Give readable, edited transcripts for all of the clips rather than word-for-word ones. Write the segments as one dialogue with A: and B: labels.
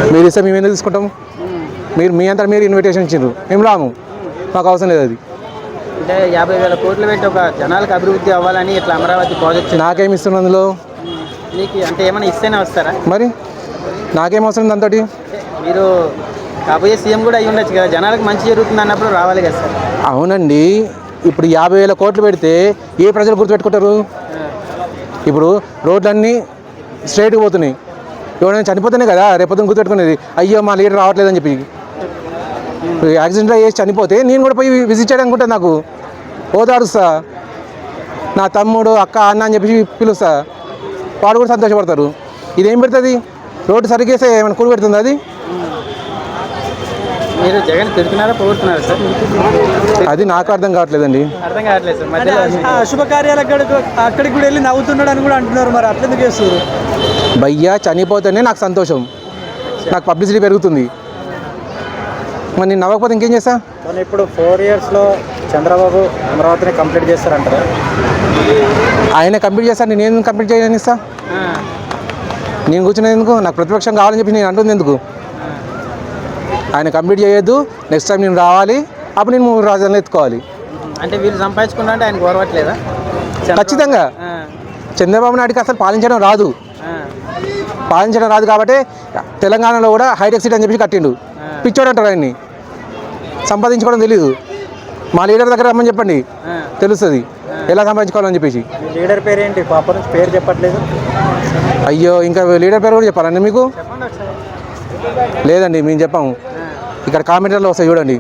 A: మీరు ఇస్తే మేము ఎందుకు తీసుకుంటాం? మీరు మీ అంతా మీరు ఇన్విటేషన్ ఇచ్చిండ్రు, మేము రాము, మాకు అవసరం లేదు. అది
B: అంటే 50,000 కోట్లు పెట్టి ఒక జనాలకు అభివృద్ధి అవ్వాలని ఇట్లా అమరావతి ప్రాజెక్ట్
A: నాకేమి ఇస్తున్నా అందులో?
B: మీకు అంటే ఏమైనా ఇస్తేనే వస్తారా?
A: మరి నాకేం అవసరం దాంతో?
B: మీరు కాబోయే సీఎం కూడా అయ్యి ఉండొచ్చు కదా, జనాలకు మంచి జరుగుతుంది అన్నప్పుడు రావాలి కదా సార్.
A: అవునండి, ఇప్పుడు 50,000 కోట్లు పెడితే ఏ ప్రజలు గుర్తుపెట్టుకుంటారు? ఇప్పుడు రోడ్లన్నీ స్ట్రైట్గా పోతున్నాయి, ఎవరైనా చనిపోతేనే కదా రేపొద్దున గుర్తుపెట్టుకునేది. అయ్యో మా లీడర్ రావట్లేదని చెప్పి యాక్సిడెంట్లో వేసి చనిపోతే నేను కూడా పోయి విజిట్ చేయడానికి ఉంటుంది, నాకు ఓదారుస్తా, నా తమ్ముడు అక్క అన్న అని చెప్పి పిలుస్తా, వాడు కూడా సంతోషపడతారు. ఇదేం పెడుతుంది? రోడ్డు సరిగేస్తే ఏమైనా కూలి పెడుతుంది అది?
B: మీరు జగన్ తిడుతున్నారా పొగుడుతున్నారా సార్?
A: అది నాకు అర్థం కావట్లేదండి.
B: అర్థం కావట్లేదు సార్. మధ్యలో
C: శుభకార్యాలు అక్కడికి కూడా వెళ్ళి నవ్వుతున్నాడు అని కూడా అంటున్నారు, మరి అట్లెందుకు చేస్తారు?
A: భయ్యా చనిపోతేనే నాకు సంతోషం, నాకు పబ్లిసిటీ పెరుగుతుంది. మరి నేను నవ్వకపోతే ఇంకేం చేస్తా?
C: కానీ ఇప్పుడు 4 yearsలో చంద్రబాబు అమరావతిని కంప్లీట్ చేస్తారంటారా?
A: ఆయన కంప్లీట్ చేస్తాను, నేను ఎందుకు కంప్లీట్ చేయని ఇస్తా? నేను కూర్చునేది ఎందుకు? నాకు ప్రతిపక్షం కావాలని చెప్పి నేను అంటుంది ఎందుకు? ఆయన కంప్లీట్ చేయొద్దు, నెక్స్ట్ టైం నేను రావాలి, అప్పుడు నేను 3 రాజధానులు ఎత్తుకోవాలి.
B: అంటే వీళ్ళు సంపాదించుకున్నా అంటే ఆయన గౌరవట్లేదా?
A: ఖచ్చితంగా చంద్రబాబు నాయుడుకి అసలు పాలించడం రాదు కాబట్టి తెలంగాణలో కూడా హైటెక్ సిటీ అని చెప్పి కట్టిండు. పిచ్చోడు అంటారు ఆయన్ని, సంపాదించుకోవడం తెలీదు. మా లీడర్ దగ్గర రమ్మని చెప్పండి, తెలుస్తుంది ఎలా సంపాదించుకోవాలని చెప్పేసి.
C: లీడర్ పేరు ఏంటి? పాప నుంచి పేరు చెప్పట్లేదు.
A: అయ్యో, ఇంకా లీడర్ పేరు కూడా చెప్పాలండి మీకు? లేదండి, మేము చెప్పాము. ఇక్కడ కామెంటర్లో వస్తాయి చూడండి.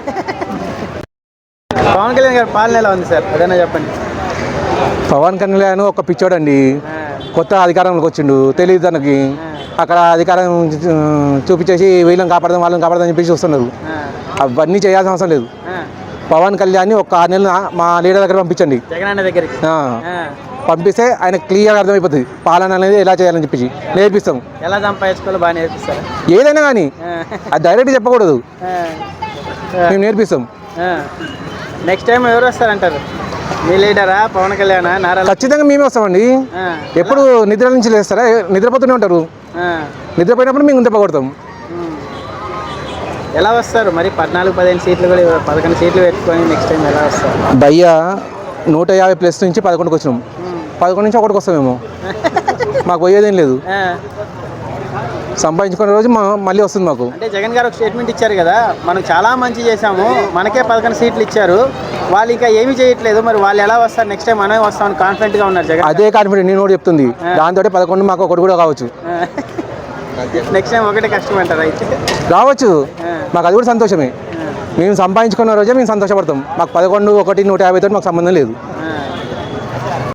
B: పవన్ కళ్యాణ్ గారి పాలన ఎలా ఉంది సార్, అదైనా చెప్పండి.
A: పవన్ కళ్యాణ్ ఒక పిచ్చోడండి, కొత్త అధికారంలోకి వచ్చిండు, తెలియదు తనకి. అక్కడ అధికారం చూపించేసి వీళ్ళని కాపాడదాం వాళ్ళని కాపాడదాం చెప్పేసి వస్తున్నారు. అవన్నీ చేయాల్సిన అవసరం లేదు. పవన్ కళ్యాణ్ని ఒక 6 నెలలు మా లీడర్ దగ్గర పంపించండి,
B: జగన్ దగ్గరికి
A: పంపిస్తే ఆయన క్లియర్గా అర్థమైపోతుంది పాలన అనేది ఎలా చేయాలని చెప్పేసి నేర్పిస్తాం.
B: ఎలా సంపాదించుకోవాలో బాగా నేర్పిస్తారు.
A: ఏదైనా కానీ అది డైరెక్ట్ చెప్పకూడదు, మేము నేర్పిస్తాం.
B: నెక్స్ట్ టైం ఎవరు వస్తారంటారు? మీ లీడరా, పవన్ కళ్యాణ్, నారా?
A: ఖచ్చితంగా మేమే వస్తామండి. ఎప్పుడు నిద్ర నుంచి లేస్తారా? నిద్రపోతూనే ఉంటారు. నిద్రపోయినప్పుడు మేము దెబ్బకొడతాం.
B: ఎలా వస్తారు మరి? 14-15 సీట్లు కూడా 11 సీట్లు పెట్టుకొని నెక్స్ట్ టైం ఎలా వస్తారు?
A: భయ్యా 150+ నుంచి 11కి వచ్చినాం, 11 నుంచి 1కి వస్తామేమో. మాకు పోయేదేం లేదు, సంపాదించుకునే రోజు మళ్ళీ వస్తుంది మాకు.
B: అంటే జగన్ గారు ఒక స్టేట్మెంట్ ఇచ్చారు కదా, మనం చాలా మంచి చేశాము, మనకే 11 సీట్లు ఇచ్చారు, వాళ్ళు ఇంకా ఏమీ చేయట్లేదు, మరి వాళ్ళు ఎలా వస్తారు? నెక్స్ట్ టైం మనమే వస్తామని కాన్ఫిడెంట్గా ఉన్నారు జగన్.
A: అదే కాన్ఫిడెంట్ నేను కూడా చెప్తుంది. దాంతో 11 మాకు 1 కూడా కావచ్చు.
B: నెక్స్ట్ టైం ఒకటే కష్టం అంటారు అయితే?
A: రావచ్చు, మాకు అది కూడా సంతోషమే. మేము సంపాదించుకున్న రోజే మేము సంతోషపడతాం. మాకు 11, 1, 150 తోటి మాకు సంబంధం లేదు.